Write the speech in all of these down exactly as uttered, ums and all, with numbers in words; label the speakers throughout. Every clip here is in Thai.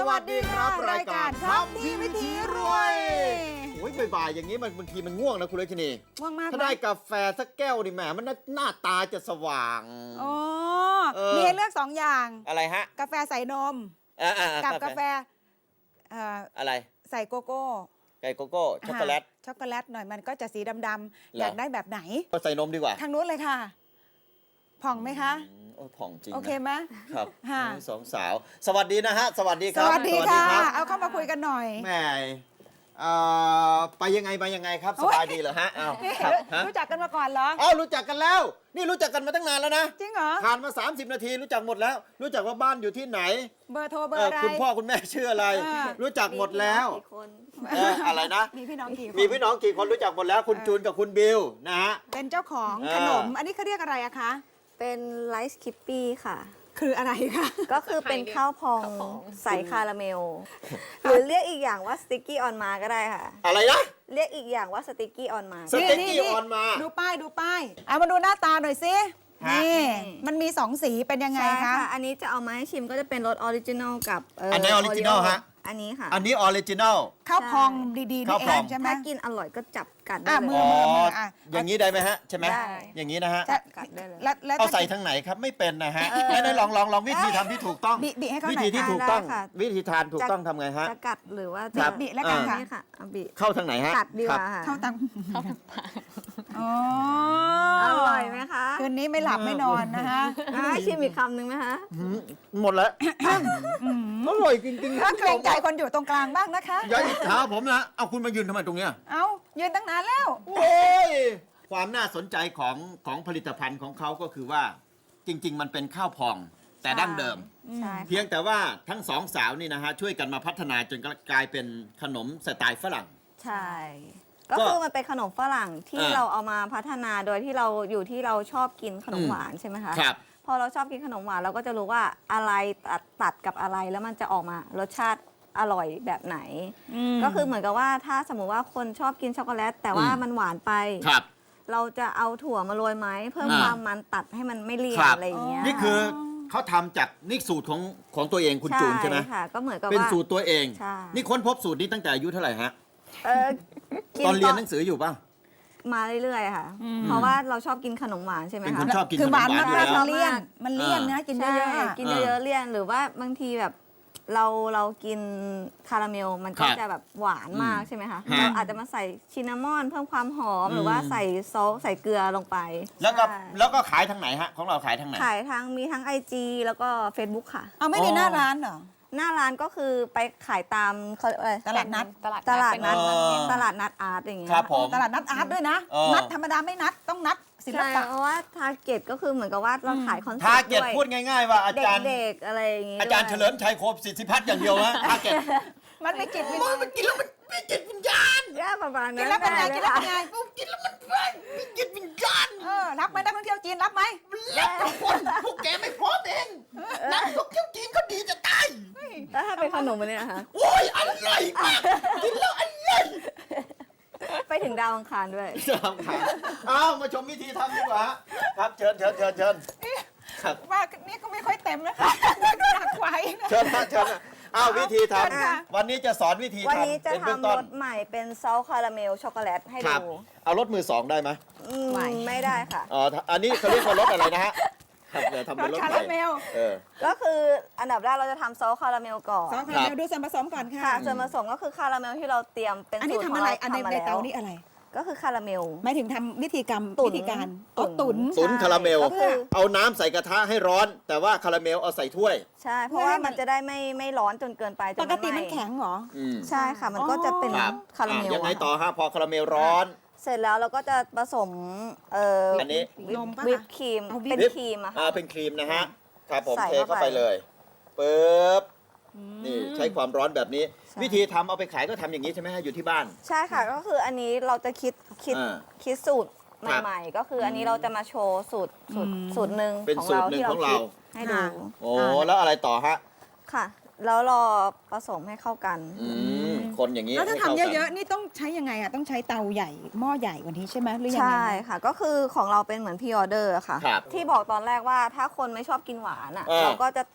Speaker 1: วัสดีครับรายการ
Speaker 2: ทำดีวิธีรวย
Speaker 1: โอ้ยบ่ายๆอย่างนี้มันบางทีมันง่วงนะคุณเลชนี
Speaker 2: ง่วงมาก
Speaker 1: ถ้าได้กาแฟสักแก้วดิแหมมันหน้าตาจะสว่าง
Speaker 2: อ๋อมีให้เลือกสองอย่าง
Speaker 1: อะไรฮะ
Speaker 2: กาแฟใส่นมกับกาแฟ
Speaker 1: อะไร
Speaker 2: ใส่โกโก้
Speaker 1: ไก่โกโก้ช็อกโกแลต
Speaker 2: ช็อกโกแลตหน่อยมันก็จะสีดำๆอยากได้แบบไหน
Speaker 1: ก็ใส่นมดีกว่า
Speaker 2: ทางนู้นเลยค่ะผ่องไหมคะ
Speaker 1: โอ้ผ่องจริง
Speaker 2: โอเคไหม
Speaker 1: ครับสองสาวสวัสดีนะฮะสวัสดีครับ
Speaker 2: สวัสดีค่ะเอาเข้ามาคุยกันหน่อย
Speaker 1: แม่ไปยังไงไปยังไงครับสบายดีเหรอฮะอ้าว
Speaker 2: รู้จักกันมาก่อนเหรอ
Speaker 1: อ้าวรู้จักกันแล้วนี่รู้จักกันมาตั้งนานแล้วนะ
Speaker 2: จริงเหรอ
Speaker 1: ผ่านมาสามสิบนาทีรู้จักหมดแล้วรู้จักว่าบ้านอยู่ที่ไหน
Speaker 2: เบอร์โทรเบอร์อะไร
Speaker 1: คุณพ่อคุณแม่ชื่ออะไรรู้จักหมดแล้วอะไรนะ
Speaker 2: มีพี่น้องกี่คน
Speaker 1: มีพี่น้องกี่คนรู้จักหมดแล้วคุณจูนกับคุณบิวนะฮะ
Speaker 2: เป็นเจ้าของขนมอันนี้เขาเรียกอะไรอะคะ
Speaker 3: เป็นไลซ์คิปปี้ค่ะ
Speaker 2: คืออะไรคะ
Speaker 3: ก็คือเป็นข้าวพองใส่คาราเมลหรือเรียกอีกอย่างว่าสติกกี้ออนมาก็ได้ค่ะ
Speaker 1: อะไรนะ
Speaker 3: เรียกอีกอย่างว่าสติกกี้ออนมา
Speaker 1: สติกกี้ออนมา
Speaker 2: ดูป้ายดูป้ายเอามาดูหน้าตาหน่อยสินี่มันมีสองสีเป็นยังไงคะ
Speaker 3: อันนี้จะเอามาให้ชิมก็จะเป็นรสออริจินอลกับ
Speaker 1: อันนี้ออริจินอลฮะ
Speaker 3: อันนี้ค่ะ
Speaker 1: อันนี้ออริจินอล
Speaker 2: ข้าวพองดีๆนี่เองใช่ไหม
Speaker 3: ถ้ากินอร่อยก็จับกัดได้
Speaker 2: เลย
Speaker 3: อ๋อ
Speaker 1: อย่างนี้ได้ไหมฮะใช่ไหมอย่างนี้นะฮะ
Speaker 3: จับกัดได้เลย
Speaker 1: เอาใส่ทางไหนครับไม่เป็นนะฮะไหนลองลองลองวิธีทำที่ถูกต้องวิธีที่ถูกต้องวิธีทานถูกต้องทำไงฮะ
Speaker 3: จะกัดหรือว่า
Speaker 2: จะบิแล้วกันค่ะ
Speaker 3: บิ
Speaker 1: เข้าทางไหนฮะ
Speaker 3: กัดดีกว่า
Speaker 2: เข้าทางเข้าทางปาก
Speaker 3: อร่อยไหมคะ
Speaker 2: คืนนี้ไม่หลับไม่นอนนะคะ
Speaker 3: ชิมอีกคำหนึ่งไหมคะ
Speaker 1: หมดแล้วอร่อยจริงๆ
Speaker 2: ถ้าเกรงใจคนอยู่ตรงกลางบ้างนะคะ
Speaker 1: อย่าอิจฉาผมนะเอาคุณมายืนทำไมตรงเนี้ย
Speaker 2: เอายืนตั้งนานแล้ว
Speaker 1: โอ้ยความน่าสนใจของของผลิตภัณฑ์ของเขาก็คือว่าจริงๆมันเป็นข้าวพองแต่ดั้งเดิมเพียงแต่ว่าทั้งสองสาวนี่นะฮะช่วยกันมาพัฒนาจนกลายเป็นขนมสไตล์ฝรั่ง
Speaker 3: ใช่ก็คือมันเป็นขนมฝรั่งที่เราเอามาพัฒนาโดยที่เราอยู่ที่เราชอบกินขนมหวานใช่ไหมคะ
Speaker 1: ครับ
Speaker 3: พอเราชอบกินขนมหวานเราก็จะรู้ว่าอะไรตัดตัดกับอะไรแล้วมันจะออกมารสชาติอร่อยแบบไหนก็คือเหมือนกับว่าถ้าสมมุติว่าคนชอบกินช็อกโกแลตแต่ว่ามันหวานไปเราจะเอาถั่วมาโรยไหมเพิ่มความมันตัดให้มันไม่เลี่ยนอะไรอย่างเงี้ย
Speaker 1: นี่คือเขาทำจากนี่สูตรของของตัวเองคุณจูนใช่ไหม
Speaker 3: ค่ะก็เหมือนกับว่า
Speaker 1: เป็นสูตรตัวเอง นี่ค้นพบสูตรนี้ตั้งแต่อายุเท่าไหร่ฮะตอนเรียนหนังสืออยู่ป่ะ
Speaker 3: มาเรื่อยๆค่ะเพราะว่าเราชอบกินขนมหวานใช่ไหมคะ
Speaker 1: เป็นคนชอบกินขนมหวาน
Speaker 2: อยู่แล้วเลี่ยนมันเลี่ยนนะกินเยอะ
Speaker 3: ๆกินเยอะๆเลี่ยนหรือว่าบางทีแบบเราเรากินคาราเมลมันก็จะแบบหวานมากใช่ไหมคะเราอาจจะมาใส่ชินนามอนเพิ่มความหอมหรือว่าใส่ซอสใส่เกลือลงไป
Speaker 1: แล้วก็แล้วก็ขายทางไหนฮะของเราขายทางไหน
Speaker 3: ขายทางมีทั้ง ไอ จี แล้วก็ Facebook ค่ะ
Speaker 2: เอาไม่มีหน้าร้านเหรอ
Speaker 3: หน้าร้านก็คือไปขายตามเขาอะไร
Speaker 2: ตลาดนัด
Speaker 3: ตลาดตลาดนัดตลาดนัดอาร์ตอย่างเงี้ย
Speaker 1: ครับผม
Speaker 2: ตลาดนัดอาร์ตด้วยนะนัดธรรมดาไม่นัดต้องนัดศิลปะ
Speaker 3: เพราะว่าทาร์เก็ตก็คือเหมือนกับว่าเราขายคอนเซ็ปต์
Speaker 1: ทาร์เก็ตพูดง่ายๆว่าอาจารย์
Speaker 3: เด็กๆอะไรอย่างเงี้ย
Speaker 1: อาจารย์เฉลิมชัยโคสิทธิพัฒน์อย่างเดียวนะทาร์เก็ต
Speaker 2: มันไม่จิตวิญญาณ
Speaker 1: มันกินแล้วมันมีจิตวิญญาณ
Speaker 3: ย่าประมาณนั้น
Speaker 2: กินแล้วเป็นไงกินแล้วเป็นไง
Speaker 1: กินแล้วมันเพลินมีจิตวิญญาณ
Speaker 2: เออรับไหมนักท่องเที่ยวจีนรับไหม
Speaker 1: รับทุกคนพวกแกไม่พร้อมเองนักท่องเที่ยวจีนเขาดีจะตาย
Speaker 3: แล้วถ้าเป็นขนมอันนี้นะคะ
Speaker 1: โอ้ยอร่อยมากกินแล้วอร่อย
Speaker 3: ไปถึงดาวอังคารด้วย
Speaker 1: ดาวอังคารอ้าวมาชมวิธีทำดีกว่าครับเชิญเชิญเชิญเชิญ
Speaker 2: ว่านี่ก็ไม่ค่อยเต็มนะคะหนักไว้
Speaker 1: เชิญเชิญอ้าววิธีทำวันนี้จะสอนวิธีทำ
Speaker 3: วันนี้จะทำรสใหม่เป็นซอสคาราเมลช็อกโกแลตให้ดู
Speaker 1: เอารสมือสองได้ไหม
Speaker 3: ไม่ได้ค่ะ
Speaker 1: อ๋ออันนี้เขาเรียกว่ารสอะไรนะฮะเดี๋ยวทำเป็นรส
Speaker 2: คาราเมล
Speaker 3: ก็คืออันดับแรกเราจะทำซอสคาราเมลก่อน
Speaker 2: ซอสคาราเมลดูส่วนผสมก่อนค่ะ
Speaker 3: ส่วนผสมก็คือคาราเมลที่เราเตรียมเป็น
Speaker 2: สูตรของเราทำมาแล้วในเตานี่อะไร
Speaker 3: ก็คือคาราเมล
Speaker 2: หมายถึงทำวิธีกรรมวิธีการตุ๋น
Speaker 1: ตุ๋นคาราเมลเอาน้ำใส่กระทะให้ร้อนแต่ว่าคาราเมลเอาใส่ถ้วย
Speaker 3: ใช่เพราะว่ามันจะได้ไม่ไม่ร้อนจนเกินไป
Speaker 2: ปกติมันแข็งเหรอ
Speaker 3: ใช่ค่ะมันก็จะเป็นคาราเมล
Speaker 1: ยังไงต่อฮะพอคาราเมลร้อน
Speaker 3: เสร็จแล้วเราก็จะผสมเอ่อ
Speaker 1: อันนี้
Speaker 3: วิปครีมเป็นครีมอะค่ะ
Speaker 1: อ่าเป็นครีมนะฮะครับผมเทเข้าไปเลยปึ๊บนี่ใช้ความร้อนแบบนี้วิธีทำเอาไปขายก็ทำอย่างนี้ใช่ไหมฮะอยู่ที่บ้าน
Speaker 3: ใช่ค่ะก็คืออันนี้เราจะคิดคิดคิดสูตรใหม่ๆก็คืออันนี้เราจะมาโชว์สูตรสูตรสูตรหนึ่งของเราที่เราคิดให้ดู
Speaker 1: โอ้แล้วอะไรต่อฮะ
Speaker 3: ค่ะแล้วรอผสมให้เข้ากัน
Speaker 1: คนอย่างนี้
Speaker 2: แล้วถ้าทำเยอะๆนี่ต้องใช้ยังไงอ่ะต้องใช้เตาใหญ่หม้อใหญ่กว่านี้ใช่ไหมหรือยังไง
Speaker 3: ใช่ค่ะก็คือของเราเป็นเหมือนพรีออเดอร์ค่ะที่บอกตอนแรกว่าถ้าคนไม่ชอบกินหวานอ่ะเราก็จะตัด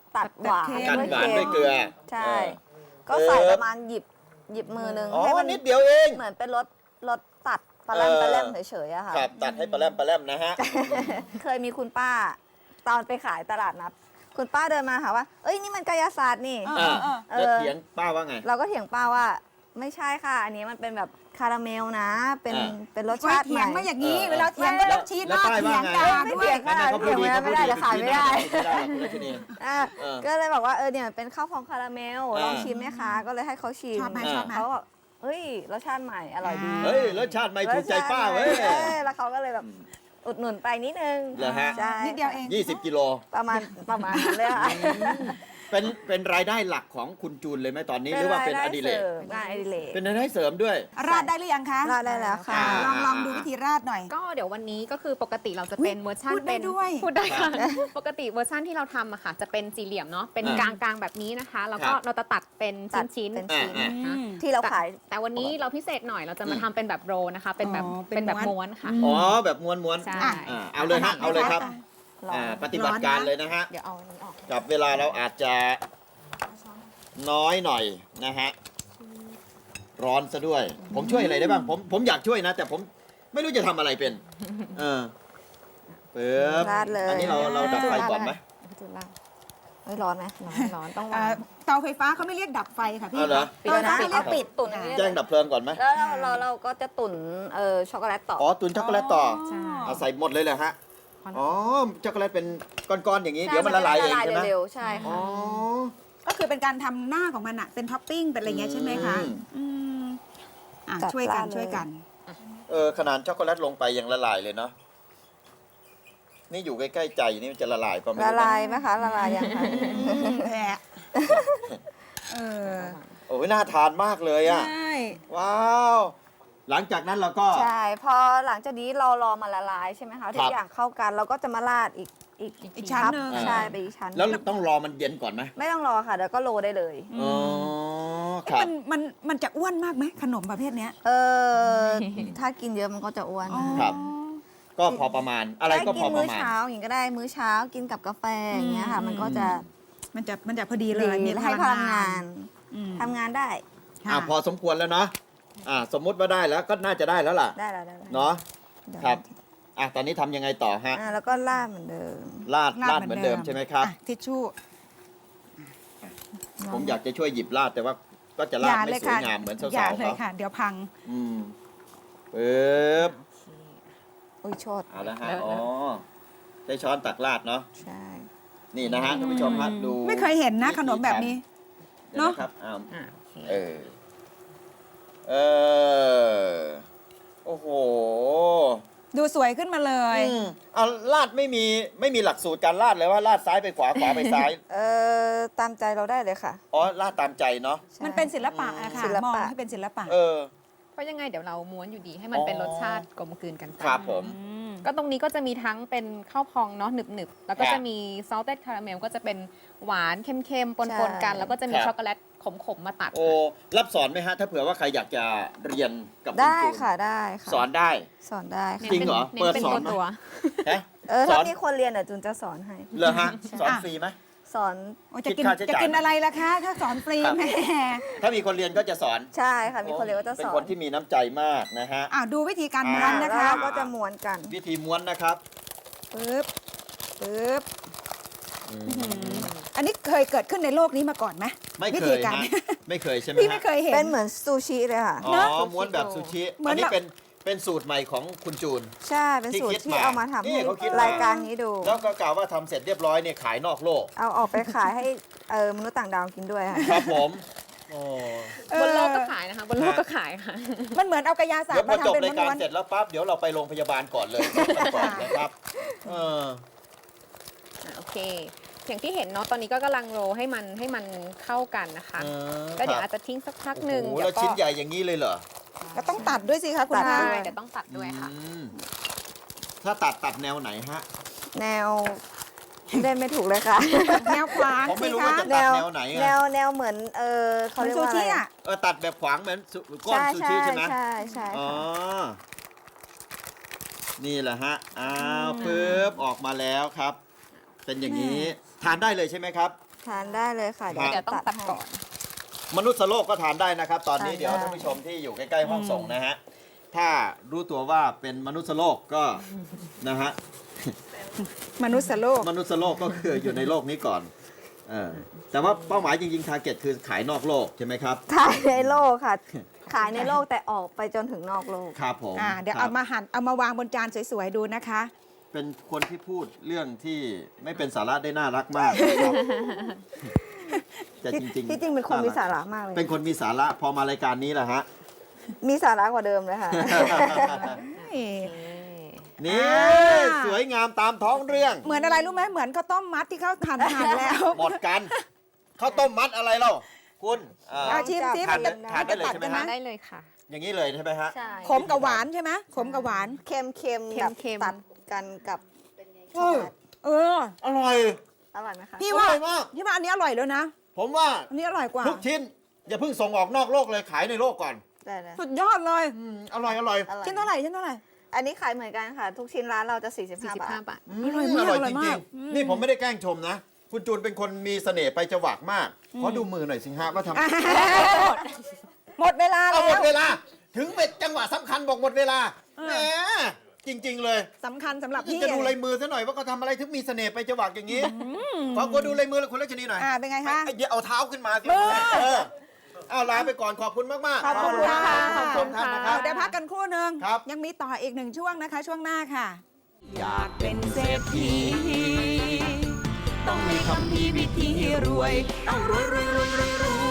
Speaker 3: ตัดหวาน
Speaker 2: ตัด
Speaker 3: ด้วย
Speaker 1: หวาน
Speaker 3: เค็
Speaker 1: ด้วย
Speaker 3: ม
Speaker 1: เกลือ
Speaker 3: ใช่
Speaker 1: เออ
Speaker 3: ก็ใส่ประมาณหยิบหยิบมือนึง
Speaker 1: อ๋อ
Speaker 3: ให้มั
Speaker 1: นิดเดียวเอง
Speaker 3: เหมือนเป็นรสรสตัดปลาแรม
Speaker 1: เออ
Speaker 3: ปลาแรมเฉยๆอะค่ะ
Speaker 1: ครับตัดให้ปลาแรมปลาแรมนะฮะ
Speaker 3: เคยมีคุณป้า ตอนไปขายตลาดนัดคุณป้าเดินมาหาว่า เอ้ยนี่มันกายศาสตร์นี่
Speaker 2: เออ
Speaker 1: อ่า
Speaker 3: เออ
Speaker 1: แล้วเถียงป้าว่าไง
Speaker 3: เราก็เถียงป้าว่าไม่ใช่ค่ะ อันนี้มันเป็นแบบคาราเมลนะ เป็น
Speaker 1: อ่า
Speaker 3: เป็นรส
Speaker 2: ไว้
Speaker 3: ชาติ
Speaker 2: เถี
Speaker 3: ให
Speaker 2: ย
Speaker 3: ม่
Speaker 2: งมาอย่างนี้
Speaker 1: เออ
Speaker 2: เวลาเถียง
Speaker 3: แล้
Speaker 2: ก็
Speaker 3: ว
Speaker 2: ต้องชี้ห
Speaker 1: แล้ว
Speaker 2: น้า
Speaker 1: ป้าย
Speaker 2: เถี
Speaker 1: ว่าย
Speaker 2: ง
Speaker 1: ไง
Speaker 2: กัน
Speaker 3: ไม่
Speaker 2: ด้ว
Speaker 3: เถี
Speaker 2: ย
Speaker 3: ยงค่ะ
Speaker 1: เขาพูดดี
Speaker 3: เถียง
Speaker 1: เขาพูด
Speaker 3: ไม่ได้
Speaker 1: ดี
Speaker 3: เดี๋ยวขายไม่ได้
Speaker 1: ไม่ได้หรอกคุณรัชนี
Speaker 3: อ่ะ
Speaker 1: เออ
Speaker 3: ก็เลยบอกว่าเออเนี่ยเป็นข้าวพองคาราเมล
Speaker 1: อ่า
Speaker 3: ลองชิมไหมคะ ก็เลยให้เขาชิม
Speaker 2: ชอบไหมชอบไหม
Speaker 3: เขาบอกเฮ้ยรสชาติใหม่อร่อยดี
Speaker 1: เฮ้ยรสชาติไม่ถูกใจป้าเว้ย
Speaker 3: ออแล้วเขาก็เลยแบบอุดหนุนไปนิดนึง
Speaker 1: เหรอฮะ
Speaker 3: ใช่
Speaker 2: นิดเดียวเอง
Speaker 1: ยี่สิบกิโล
Speaker 3: ประมาณประมาณนั้นเลยค่ะ
Speaker 1: เป็นเป็นรายได้หลักของคุณจูนเลยไหมตอนนี้หรือว่าเป็นอดิเรก
Speaker 3: งานอดิเรก
Speaker 1: เป็นรายได้เสริมด้วย
Speaker 2: ราดได้หรือยังคะ
Speaker 3: ราดได้แล้วค่ะ
Speaker 1: อ่า
Speaker 2: ลองลองดูวิธีราดหน่อย
Speaker 4: ก็เดี๋ยววันนี้ก็คือปกติเราจะเป็น
Speaker 2: อุ๊ย
Speaker 4: เวอร์ชัน
Speaker 2: พูดได้
Speaker 4: เป็น
Speaker 2: ด้วย
Speaker 4: พูดได้ค่ะ ปกติเวอร์ชันที่เราทำอะค่ะจะเป็นสี่เหลี่ยมเนาะเป็น
Speaker 1: อ่าก
Speaker 4: ลางกลางๆแบบนี้นะคะ แล้วก็
Speaker 1: ครับ
Speaker 4: เราจะตัดเป็น
Speaker 3: ตัด
Speaker 4: ชิ้น
Speaker 3: เป็น
Speaker 4: ๆ
Speaker 3: ชิ้น
Speaker 1: อ่า
Speaker 4: นะคะ
Speaker 2: อืม
Speaker 3: ที่เราขาย
Speaker 4: แต่วันนี้เราพิเศษหน่อยเราจะมา
Speaker 1: อืม
Speaker 4: ทำเป็นแบบโรลนะคะ เป็นแบบ
Speaker 2: อ๋อเป็
Speaker 4: เป็น นแบบ
Speaker 2: ม้
Speaker 4: ม้
Speaker 2: ว
Speaker 4: วน นค่ะ
Speaker 1: อ๋อแบบม้วนม้วน
Speaker 4: ใช่
Speaker 1: อ่าเอาเลยฮะเอาเลยครับ
Speaker 3: ลอง
Speaker 1: อ่าปฏิบัติการเลยนะฮะ
Speaker 4: เดี๋ยวเอาอันนี้ออก
Speaker 1: กับเวลาเราอาจจะน้อยหน่อยนะฮะร้อนซะด้วย ผมช่วยอะไรได้บ้างผมผมอยากช่วยนะ แต่ผมไม่รู้จะทำอะไรเป็น เออเปิบ
Speaker 3: ราดเลย
Speaker 1: อันนี้เราเราดับไฟก่อนไหม
Speaker 4: พี่จูนลาด
Speaker 3: เฮ้ยร้อนไหมร้อน
Speaker 4: ร้อนต้อง
Speaker 2: เอ่
Speaker 4: วา
Speaker 2: อง เตาไฟฟ้าเขาไม่เรียกดับไฟค่ะพี่
Speaker 1: เอาเหรอ
Speaker 2: เตาไฟฟ้า
Speaker 3: ปิด
Speaker 2: เรียกปิด
Speaker 3: ตุ๋นอย่างนี้
Speaker 1: แจ้งดับเพลิงก่อนไหม
Speaker 3: แล้วเราเราเราก็จะตุ๋นเอ่อช็อกโกแลตต่อ
Speaker 1: อ๋อตุนช็อกโกแลตต่อ
Speaker 4: ใช่
Speaker 1: เอาใส่หมดเลยเหรอฮะ
Speaker 4: พอแล้ว
Speaker 1: อ๋อช็อกโกแลตเป็นก้อนๆอย่างนี้เดี๋ยวมันละลายเองใช่ไหม
Speaker 3: เร็วๆใช่
Speaker 1: อ๋อ
Speaker 3: ค่ะ
Speaker 2: ก็คือเป็นการทำหน้าของมันอะเป็นท็อปปิ้งเป็นอะไรเงี้ยใช่ไหมคะ
Speaker 1: อืม
Speaker 2: อืมอ่ะ
Speaker 3: จัด
Speaker 2: ช่วยกัน
Speaker 3: ราดเลย
Speaker 2: ช่วยกัน
Speaker 1: เออขนาดช็อกโกแลตลงไปยังละลายเลยเนาะนี่อยู่ใกล้ๆใจนี่มันจะละลายป่ะไม่
Speaker 3: ละ
Speaker 1: รู้
Speaker 3: ลาย
Speaker 1: นะ
Speaker 3: ไหมคะละลายยังคะ
Speaker 2: แหละเออ
Speaker 1: โอ้ยน่าทานมากเลยอ่ะ
Speaker 2: ใช่
Speaker 1: ว้าว หลังจากนั้นเราก็
Speaker 3: ใช่พอหลังจากนี้เรารอมาละลายใช่ไหมคะทุกอย่างเข้ากันเราก็จะมาราดอีกอีก
Speaker 2: อีกชั้นหนึ่ง
Speaker 3: ใช่ไปอีกชั้น
Speaker 1: แล้วต้องรอมันเย็นก่อนไหม
Speaker 3: ไม่ต้องรอค่ะเดี๋ยวก็โรยได้เลย
Speaker 1: อ๋อครับ
Speaker 2: มันมันมันจะอ้วนมากไหมขนมประเภทเนี้ย
Speaker 3: เออถ้ากินเยอะมันก็จะอ้วน
Speaker 2: อ๋อ
Speaker 1: ครับ ก็พอประมาณอะไรก็พอ
Speaker 3: กิน
Speaker 1: ป
Speaker 3: มื้อ
Speaker 1: ระมาณ
Speaker 3: เช้าอย่างนี้ก็ได้มื้อเช้ากินกับกาแฟอย่างเงี้ยค่ะ
Speaker 2: อืม
Speaker 3: มันก็จะ
Speaker 2: มันจะมันจะพอดีเล
Speaker 3: ดี
Speaker 2: ยมี
Speaker 3: และให้พลังงาน
Speaker 2: อืม
Speaker 3: ทำงานได้
Speaker 2: ค่ะ
Speaker 1: อ่าพอสมควรแล้วเนาะอ่าสมมุติว่าได้แล้วก็น่าจะได้แล้วล่ะ
Speaker 3: ได้แล้วได้แล้ว
Speaker 1: เนาะ
Speaker 3: เดี๋ยว
Speaker 1: ครับอ่ะตอนนี้ทำยังไงต่อฮะ
Speaker 3: อ่าแล้วก็ราดเหมือนเดิม
Speaker 1: ลาดลาดเหมือนเดิมใช่ไหมครับ
Speaker 2: อ่ะทิชชู่
Speaker 1: ผมอยากจะช่วยหยิบลาดแต่ว่าก็จะลาดไม่สวยงามเหมือน
Speaker 2: อย่า
Speaker 1: สาวๆ
Speaker 2: เลย
Speaker 1: เขา
Speaker 2: ค่ะ เดี๋ยวพัง
Speaker 1: อืมปึ๊บ
Speaker 3: อุ้ยโชด
Speaker 1: เอาละฮะอ๋อใช้ช้อนตักลาดเนาะ
Speaker 3: ใช่
Speaker 1: นี่นะฮะท่านผู้ชมฮะดู
Speaker 2: ไม่เคยเห็นนะขนมแบบนี้
Speaker 1: เดี๋ยว
Speaker 2: เนอะ
Speaker 1: นะครับอ้าว
Speaker 4: อ่าโอเค
Speaker 1: เออ เออ โอ้โห
Speaker 2: ดูสวยขึ้นมาเลย
Speaker 1: อืมเอาลาดไม่มีไม่มีหลักสูตรการลาดเลยว่าลาดซ้ายไปขวาขวาไปซ้าย
Speaker 3: เออตามใจเราได้เลยค่ะ
Speaker 1: อ๋อลาดตามใจเนาะ
Speaker 3: ใช่
Speaker 2: มันเป็นศิลปะอะค่ะ
Speaker 3: ศิลปะ
Speaker 2: มองให้เป็นศิลปะ
Speaker 1: เออ
Speaker 4: เพราะยังไงเดี๋ยวเราม้วนอยู่ดีให้มันเป็นรสชาติกลมกลืนกันไป
Speaker 1: ครับผม
Speaker 4: ก็ตรงนี้ก็จะมีทั้งเป็นข้าวพองเนาะหนึบๆ แล้วก็
Speaker 1: ครับ
Speaker 4: จะมีซอลเต็ดคาราเมลก็จะเป็นหวานเค็มๆ ปนๆ กัน
Speaker 3: ใช่
Speaker 4: แล้วก็จะมี
Speaker 1: ครับ
Speaker 4: ช็อกโกแลตขมๆ มาตัด
Speaker 1: โอ้รับสอนไหมฮะ ถ้าเผื่อว่าใครอยากจะเรียนกับคุณ
Speaker 3: ได้
Speaker 1: จูน
Speaker 3: ค่ะได้ค่ะ
Speaker 1: สอนได้
Speaker 3: สอนได้ค่ะ
Speaker 1: จริงเหรอ
Speaker 4: เน้น
Speaker 1: เปิด
Speaker 4: เป็น
Speaker 1: สอนไหม
Speaker 4: ตัว
Speaker 1: ฮะ
Speaker 3: เออ
Speaker 1: ส
Speaker 3: ถ้า
Speaker 1: อน
Speaker 3: มีคนเรียนเดี๋ยวจูนจะสอนให้
Speaker 1: เหรอฮะ สอน
Speaker 2: อ่ะ
Speaker 1: ฟรีไหม
Speaker 3: สอน
Speaker 2: โอ้จะกิน
Speaker 1: คิดค่าใช้
Speaker 2: จะ
Speaker 1: จ่าย
Speaker 2: กินอะไรล่ะคะ ถ้าสอนฟรี
Speaker 1: ครับ
Speaker 2: แหม่
Speaker 1: ถ้ามีคนเรียนก็จะสอน
Speaker 3: ใช่ค่ะมีคนเรียนก็จะ
Speaker 1: เป็
Speaker 3: ส
Speaker 1: น
Speaker 3: อ
Speaker 1: คน นที่มีน้ำใจมากนะฮะ
Speaker 2: อ่าดูวิธีการม้ว
Speaker 3: อ่าน
Speaker 2: นะ
Speaker 3: แล้ว
Speaker 2: คะ
Speaker 3: เราก็จะม้วนกัน
Speaker 1: วิธีม้วนนะครับ
Speaker 2: ปึ๊บปึ๊บอันนี้เคยเกิดขึ้นในโลกนี้มาก่อนไหม
Speaker 1: ไม่
Speaker 2: วิ
Speaker 1: เค
Speaker 2: ธี
Speaker 1: ย
Speaker 2: การ
Speaker 1: ฮะไม่เคยใช่ไหม
Speaker 2: พี่
Speaker 1: ฮะ
Speaker 2: ไม่เคยเห็น
Speaker 3: เป็นเหมือนซูชิเลยค่ะ
Speaker 1: อ๋อ
Speaker 2: เนอะ
Speaker 1: ม้วนแบบซูชิ
Speaker 2: เหมือน
Speaker 1: อันนี้
Speaker 2: แบบ
Speaker 1: เป็นเป็นสูตรใหม่ของคุณจูน
Speaker 3: ใช่เป็นสูต
Speaker 1: ที่คิ
Speaker 3: ร
Speaker 1: ด
Speaker 3: ที่
Speaker 1: มา
Speaker 3: เอามาทำ
Speaker 1: นี่
Speaker 3: ให้
Speaker 1: เขาคิดมา
Speaker 3: รายการนี้ดู
Speaker 1: แล้วก็กล่าวว่าทำเสร็จเรียบร้อยเนี่ยขายนอกโลก
Speaker 3: เอาออกไปขายให้เออมนุษย์ต่างดาวกินด้วยค่ะ
Speaker 1: ครับผมโอ้
Speaker 2: เออบ
Speaker 4: นโลกก็ขายนะคะ บนโลกก็ขายค่ะ
Speaker 2: มันเหมือนเอากระยาศาสต
Speaker 1: เดี๋ยว
Speaker 2: ร์
Speaker 1: พ
Speaker 2: มา
Speaker 1: อจบ
Speaker 2: ทำเป็น
Speaker 1: รายการ
Speaker 2: ม้วน
Speaker 1: เสร็จแล้วปั๊บเดี๋ยวเราไปโรงพยาบาลก่อนเลยก่อนนะครับเออ
Speaker 4: อ่ะโอเค อย่างที่เห็นเนาะ ตอนนี้ก็กำลังโรลให้มันให้มันเข้ากันนะคะ
Speaker 1: เออ
Speaker 4: ก็เดี๋ยว
Speaker 1: ครั
Speaker 4: อา
Speaker 1: บ
Speaker 4: จจะทิ้งสักพัก
Speaker 1: โอ้
Speaker 4: หนึ่ง
Speaker 1: โห
Speaker 4: เดี๋
Speaker 1: แล้
Speaker 4: ยว วก็
Speaker 1: ชิ้นใหญ่อย่างนี้เลยเหรอ
Speaker 2: ๆก็ต้องตัดด้วยสิคะคุณ
Speaker 3: ตัด
Speaker 2: คะ
Speaker 4: ใช่เดี๋ยวต้องตัดด้วยค่ะ
Speaker 1: อืมถ้าตัดตัดแนวไหนฮะ
Speaker 3: แนวเล่นไม่ถูกเลยค่ะ
Speaker 2: แนวขวาง
Speaker 1: ผมไม่
Speaker 2: สิ
Speaker 1: รู้
Speaker 2: คะ
Speaker 1: ว่าจะ
Speaker 3: แนว
Speaker 1: แนวไหนอะ
Speaker 3: แนวแนวเหมือนเออเขา
Speaker 2: เหมือน
Speaker 3: เรียก
Speaker 2: ซู
Speaker 3: ว่าอะไร
Speaker 2: ชิอ่ะ
Speaker 1: เออตัดแบบขวางเหมือนสุก้อน
Speaker 3: ใช่
Speaker 1: ซู
Speaker 3: ใช่
Speaker 1: ชิใช่ไหม
Speaker 3: ใช่ใช่
Speaker 1: อ๋อ
Speaker 3: ค่ะ
Speaker 1: นี่แหละฮะ อ้าวปึ๊บ ออกมาแล้วครับ เป็นอย่างนี้ ทานได้เลยใช่ไหมครับ
Speaker 3: ทานได้เลยค่ะ
Speaker 4: เดี๋ยวต้องตัดก่อน
Speaker 1: มนุษย์โลกก็ทานได้นะครับ ตอนนี้
Speaker 3: ทานได้
Speaker 1: เดี๋ยวท่านผู้ชมที่อยู่ใกล้ๆห้องส่งนะฮะ ถ้ารู้ตัวว่าเป็นมนุษย์โลกก็นะฮะ
Speaker 2: มนุษย์โลก
Speaker 1: มนุษย์โลกก็คืออยู่ในโลกนี้ก่อนเออแต่ว่าเป้าหมายจริงๆ ทาร์เก็ตคือขายนอกโลกใช่ไหมครับ
Speaker 3: ขายในโลกค่ะ ขายในโลกแต่ออกไปจนถึงนอกโลก
Speaker 1: ครับผม
Speaker 2: อ่าเดี๋ยว
Speaker 1: ครั
Speaker 2: เอา
Speaker 1: บ
Speaker 2: มาหั่นเอามาวางบนจานสวยๆดูนะคะ
Speaker 1: เป็นคนที่พูดเรื่องที่ไม่เป็นสาระได้น่ารักมากนะครับแต่จริงๆ
Speaker 3: ที่จริงเป็นคนมีสาระมากเลย
Speaker 1: เป็นคนมีสาระพอมารายการนี้แหละฮะ
Speaker 3: มีสาระกว่าเดิมเลยค่ะ
Speaker 1: นี่สวยงามตามท้องเรื่อง
Speaker 2: เหมือนอะไรรู้ไหมเหมือนข้าวต้มมัดที่เขาหั่นหั่นแล้ว
Speaker 1: หมดกันข้าวต้มมัดอะไรเล่าคุณเอ่อ
Speaker 2: เอาชิมซิ
Speaker 1: ทานได้
Speaker 2: มันจะ
Speaker 1: ทานได้เลย
Speaker 2: ตัด
Speaker 1: ใช่ไหม
Speaker 2: กัน
Speaker 1: ฮะ
Speaker 2: นะ
Speaker 4: ได้เลยค่ะ
Speaker 1: อย่างนี้เลยใช่ไหมฮะ
Speaker 4: ใช่
Speaker 2: ขมกับหวานใช่ไหมขมกับหวาน
Speaker 3: เค็มเค็ม
Speaker 4: เค็ม
Speaker 3: แบบ
Speaker 4: เค็ม
Speaker 3: ตัดกันกับ
Speaker 1: เออ
Speaker 2: เออ
Speaker 1: อร่อย
Speaker 3: อร่อยไหมคะ
Speaker 2: พี่ว่า
Speaker 1: อร่อยมาก
Speaker 2: พี่ว่าอันนี้อร่อยแล้วนะ
Speaker 1: ผมว่า
Speaker 2: อันนี้อร่อยกว่า
Speaker 1: ทุกชิ้น อย่าเพิ่งส่งออกนอกโลกเลยขายในโลกก่อน
Speaker 3: ได้เลย
Speaker 2: สุดยอดเลย
Speaker 1: อืมอร่อยอร่อย
Speaker 3: อร่อย
Speaker 2: ชิ้นเท่าไหร่ชิ้นเท่าไหร่
Speaker 3: อันนี้ขายเหมือนกันค่ะ ทุกชิ้นร้านเราจะ45
Speaker 4: 45
Speaker 3: บาท
Speaker 4: บาท
Speaker 1: ม
Speaker 2: อร่อยมาก
Speaker 1: อร่อย
Speaker 2: อร่
Speaker 1: จ
Speaker 2: อยมา
Speaker 1: ริ
Speaker 2: ก
Speaker 1: ง
Speaker 2: อืม
Speaker 1: ๆนี่ผมไม่ได้แกล้งชมนะ คุณจูนเป็นคนมีเสน่ห์ไปจวักมาก ขอดูมือหน่อยสิฮะว่าทำ
Speaker 2: หมดเวลา
Speaker 1: เอา
Speaker 2: แล้
Speaker 1: หมด
Speaker 2: ว
Speaker 1: เวลา ถึงเป็นจังหวะสำคัญบอกหมดเวลา
Speaker 2: เออ
Speaker 1: แหมจริง ๆ เลย
Speaker 2: สำคัญสำหรับพี่
Speaker 1: จะดูลายมือซะหน่อยว่าเขาทำอะไรถึงมีเสน่ห์ไปจวักอย่างนี้ขอกูดูลายมือแล้วคุณรัชนีหน่อย
Speaker 2: อ่าเป็นไงคะ
Speaker 1: เดี๋ยวเอาเท้าขึ้นมาสิ
Speaker 2: มือ
Speaker 1: เออเอาลาไปก่อนขอบคุณมากๆ
Speaker 2: ขอบคุณค่ะ
Speaker 1: ขอบคุณท่านนะครั
Speaker 2: เอา
Speaker 1: บ
Speaker 2: เดี๋ยวพักกันครู่หนึ่ง
Speaker 1: ครับ
Speaker 2: ยังมีต่ออีกหนึ่งช่วงนะคะ ช่วงหน้าค่ะ
Speaker 5: อยากเป็นเศรษฐีต้องมีคำพีวิธีรวย ต้องรวยรวยรวยรวยรวย